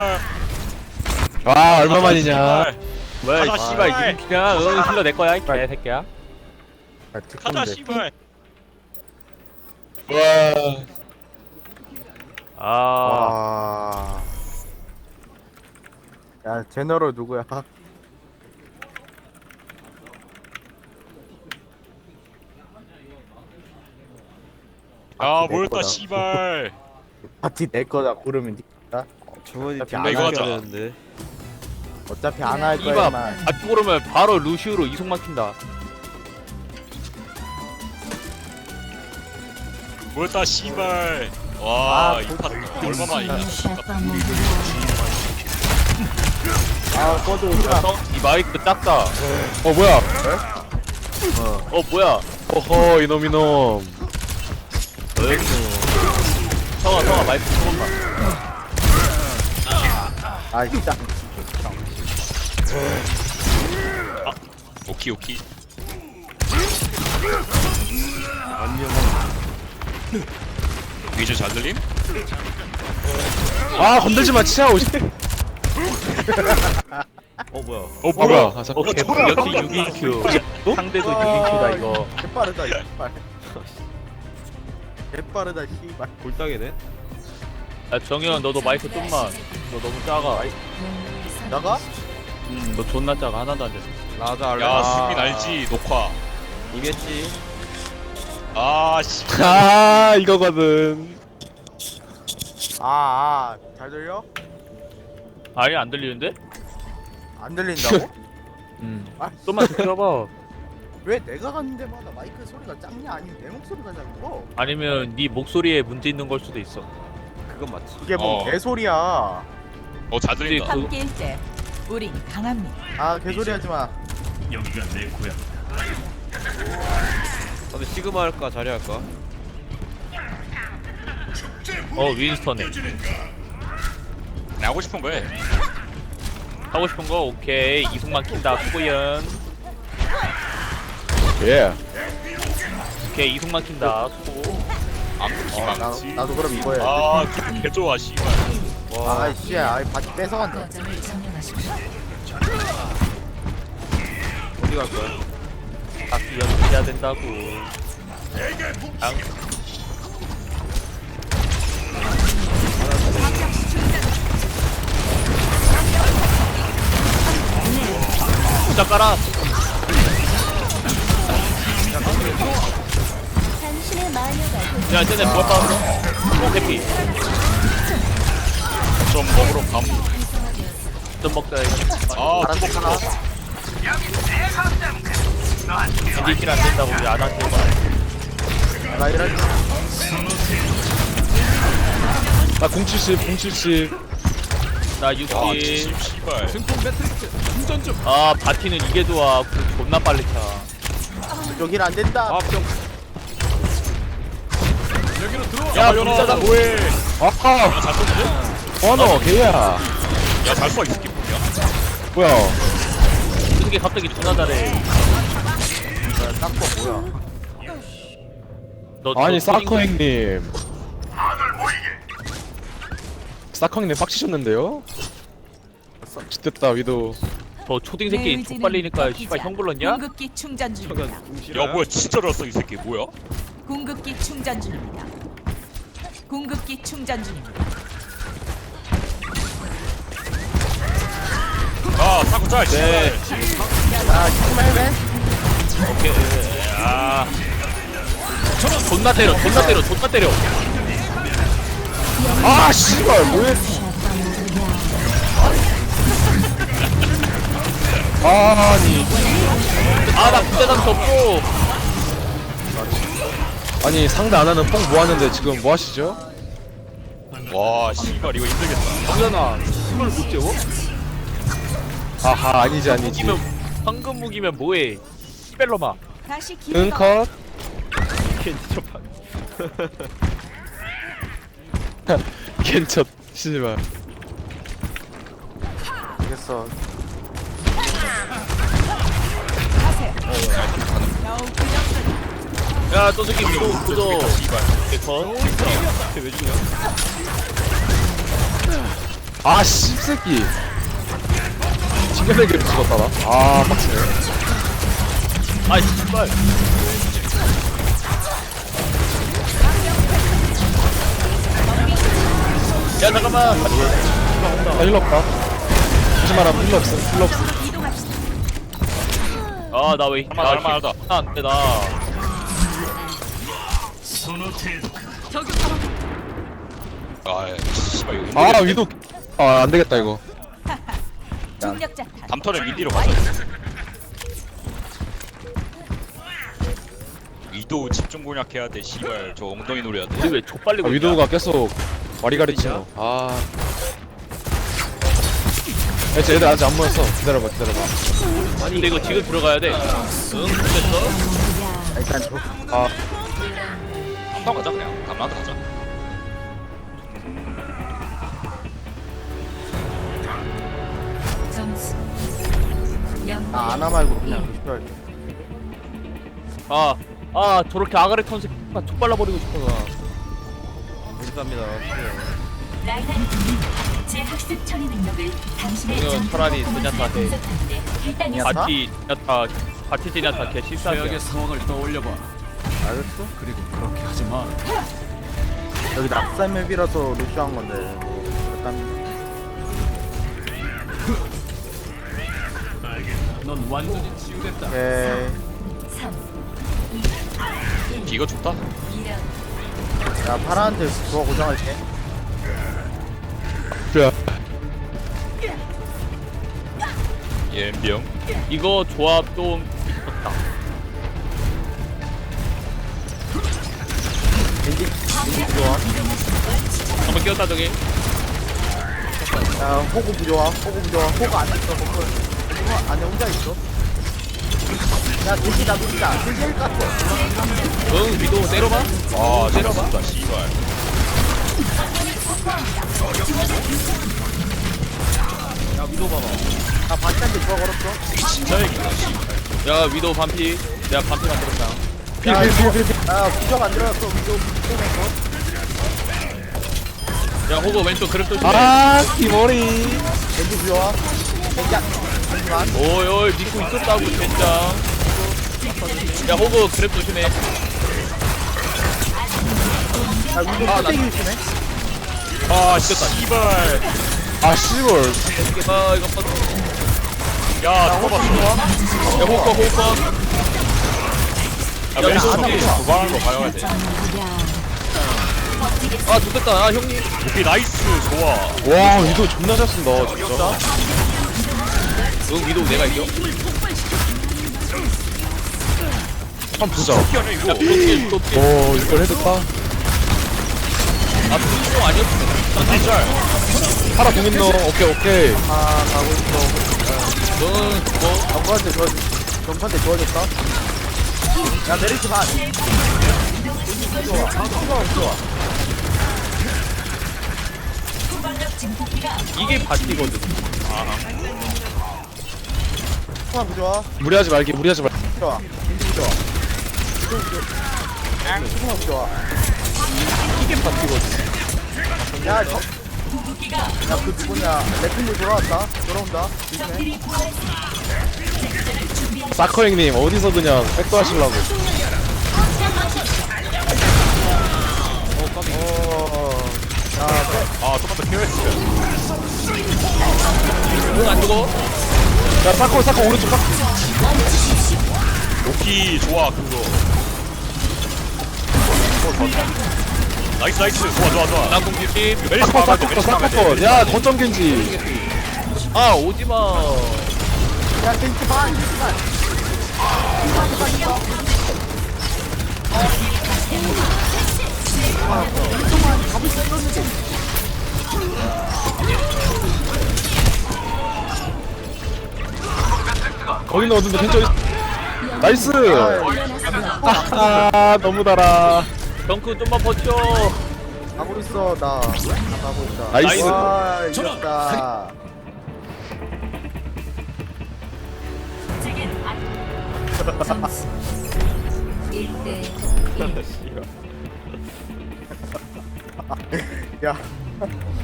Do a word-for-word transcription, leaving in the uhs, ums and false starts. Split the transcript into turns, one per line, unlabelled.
와 얼마만이냐.
뭐야
가자,
이 씨발
씨발.
이게 그냥 응 힐러 내 거야 이 개새끼야.
아,
가자
특공대.
씨발.
와.
아
와. 야, 제너럴 누구야?
아
내
뭐였다
거다.
씨발.
파티 내 거다 고르면 니가
저번에
어차피
안
딜레이
하자.
걸렸는데.
어차피 안 할
이봐
거야만.
아 그러면 바로 루시우로 이속 막힌다.
뭐였다 씨발. 와
아,
이파 얼마만이냐.
아, 꺼져 오지마.
형, 이 마이크 작다.
어 뭐야?
어 뭐야?
어허 이놈 이놈.
성아 성아 마이크 조금만.
아, 진짜.
오키 오키. 위저 잘 들림?
아 건들지 마 진짜. 오십.
어 뭐야?
어
아
뭐야?
뭐야? 아, 잠-
오케이 역시 육 인 큐. 상대도 육 인 큐다 이거.
개빠르다, 씨발. 개빠르다, 씨발.
골딱이네.
야 정현 너도 마이크 좀만. 너 너무 작아.
나가?
음너 존나 작아 하나도 안 돼.
나자 알레.
야 수민 알지 녹화.
이겼지.
아 씨.
아 이거거든.
아, 아, 잘 들려?
아예 안 들리는데?
안 들린다고?
음.
아,
좀만 더 켜봐.
왜 내가 가는 데마다 마이크 소리가 작냐? 아니면 내 목소리가 작고?
아니면 네 목소리에 문제 있는 걸 수도 있어.
그건 맞지.
이게 뭐
어.
개소리야.
어잘 들린다.
그-
함께일 때 우린 강합니다.
아, 개소리 하지 마.
근데 시그마 할까 자리 할까?
어 윈스턴에.
나 하고 싶은 거해.
하고 싶은 거 오케이. 이속 막힌다 수고연.
예.
오케이 이속 막힌다 수고.
어, 나,
암기망치.
나도 그럼 이거 해야지.
아 기분 개 좋아 씨발.
와.
아, 씨, 아, 바지 뺏어간다.
어디 갈 거야?
각기 연습해야 된다고. 당. 부자 깔아. 야 쟤네 뭘 빠졌어? 어 해피.
좀 먹으러 감.
좀 먹자 이거.
아
알았어,
뚜벅
하나.
겐지 킬안 된다고 우리 안한테
나 이런.
나 공칠십 공칠십.
나
아
육킬.
칠십 씨발.
아 바티는 이게 좋아. 그 존나 빨리 차.
여긴 안 된다.
아 병.
야
연아
불사다
뭐해?
아하.
잘 쏘는데?
원어 개야.
야잘 쏘. 이 새끼 뭐냐?
뭐야?
이게 갑자기 존나 잘해.
딱거 뭐야?
너,
아니
너
사커
초딩-
형님. 사커 형님 빡치셨는데요? 됐다 위도.
저 초딩 새끼 족발리니까 씨발 형 불렀냐?
궁극기 충전 중입니다.
저건 궁시라.
야 뭐야 진짜로 왔어 이 새끼 뭐야?
궁극기 충전 중입니다. 궁극기 충전 중입니다.
아 사고 짤
네.
씨발.
아, 정말 해?
오케이. 아. 존나 때려, 존나 때려, 존나 때려.
아 씨발 뭐해? 아니
아, 나 부대장 접고.
아니 상대 안 하는 뽕 모았는데 지금 뭐 하시죠?
와 씨발 이거 힘들겠다.
정연아, 힘을 못 재워?
아하 아니지 아니지.
무기면, 황금 무기면 뭐해? 시벨로마.
다시 기회가
은컷.
캔디처판.
괜찮. 씨발.
알겠어.
야, 저 새끼 위도 구조.
씨발.
개컷.
왜 죽냐?
아 씹새끼 징계대기로 죽었다 나. 아 빡치네.
아 씨발. 야 잠깐만.
나 힐러 없다. 다시 말하면 힐러 없어 힐러 없어.
아나 왜?
할만 할만 하다.
안돼 나.
아 씨발 이거
아
힘들겠네.
위도 아 안되겠다 이거.
중력자 탄.
담터를 밀리러 가자. 위도 집중 공략해야 돼. 씨발 저 엉덩이 노려야 돼.
우리 왜 족발리고
아,
있냐?
위도우가 계속 와리가리 치노. 아. 야, 쟤 애들 아직 안 모였어. 기다려봐, 기다려봐.
아니 근데 이거 지금 들어가야 돼. 응 됐어.
아, 일단 저
아,
한방 가자 그냥. 감라도 가자.
점수. 영.
아, 아나 말고 그냥 루시오 할게.
아, 아 저렇게 아가리 턴 새끼가 툭 발라버리고 싶어서.
감사합니다.
제 학습 처리 능력을 당신의
이거 차라리 제냐타 해.
제냐타?
바티 제냐타, 바티 제냐타 개 실수하게.
상황을 떠올려봐.
알겠어?
그리고 그렇게 하지 마.
여기 낙산 맵이라서 루시오 한 건데. 뭐, 일단
넌 완전히 치유됐다.
오케이.
비가 좋다.
야, 파라한테 그거 고정할게.
그래.
예병.
이거 조합 좀 미쳤다.
겐지, 겐지 부조화.
한번 끼웠다 저기.
야, 호구 부조화. 호구 부조화. 호구 안에 있어, 호구. 호구 안에 혼자 있어. 야, 겐지다, 겐지다. 겐지 일 깠어.
응 위도 때려봐.
아 때려봐. 씨발.
야 위도 봐봐.
나 바스한테 누가 걸었어?
진짜 얘기다. 씨발.
야 위도 반피. 내가 반피 만들었다.
필, 필, 필, 필, 필.
야, 부조화 안 들어갔어. 위도 부조화에서.
야 호구 왼쪽 그립 조심해.
아, 기머리.
겐지 부조화. 겐지 안, 겐지만.
오이 오이 믿고 있었다고 젠장. 야 호구 그립 조심해.
야, 위도
아,
뚝배기 조심해.
아 씨발.
아, 씨발.
아 이거 봐.
야 누가 봤어?
야 호구 거, 호구 거.
야 왼손
안
뒤에 도발하는 거 봐야 돼.
아 좋겠다. 아 형님.
오케이 나이스 좋아.
와, 위도 존나 잘 쓴다, 진짜.
응 위도 내가 이겨.
한번 보자.
피하네 이거.
야 또킬 또킬.
오, 이걸 해줬다.
아 그거 아니었으면.
짤.
파라 공 있노. 오케이, 오케이.
아, 가고 있어.
응 그거.
전파한테 도와줬, 전파한테 도와줬다. 야, 메리트 반. 좋아, 좋아, 좋아.
이게 바티거든.
좋아, 좋아.
무리하지 말게, 무리하지 말.
좋아. 겐지 좋아. 좋아, 좋아.
이게 바뀌거든.
야, 저. 야, 그 누구냐. 레필리 돌아왔다. 돌아온다. 조심해.
사커 형님, 어디서 그냥 백도 하시려고.
어, 야, 빼.
아 똑같다 케어했어.
응안 죽어.
야, 사커, 사커, 오른쪽 사커.
오키 좋아 그거. 어, 좋았다. 나이스 나이스 좋아 좋아 좋아.
난공 딜
메리스
사커,
봐봐.
사커, 사커, 사커. 야, 거점 겐지.
아 오지마.
야, 겐지 반, 겐지 반.
거기는 어딘데, 겐지 어디. 나이스. 아, 너무 달아.
덩크 좀만 버텨.
가고 있어, 나. 나 가고 있다.
나이스.
와, 이겼다.
점수. 일 대 일.
야.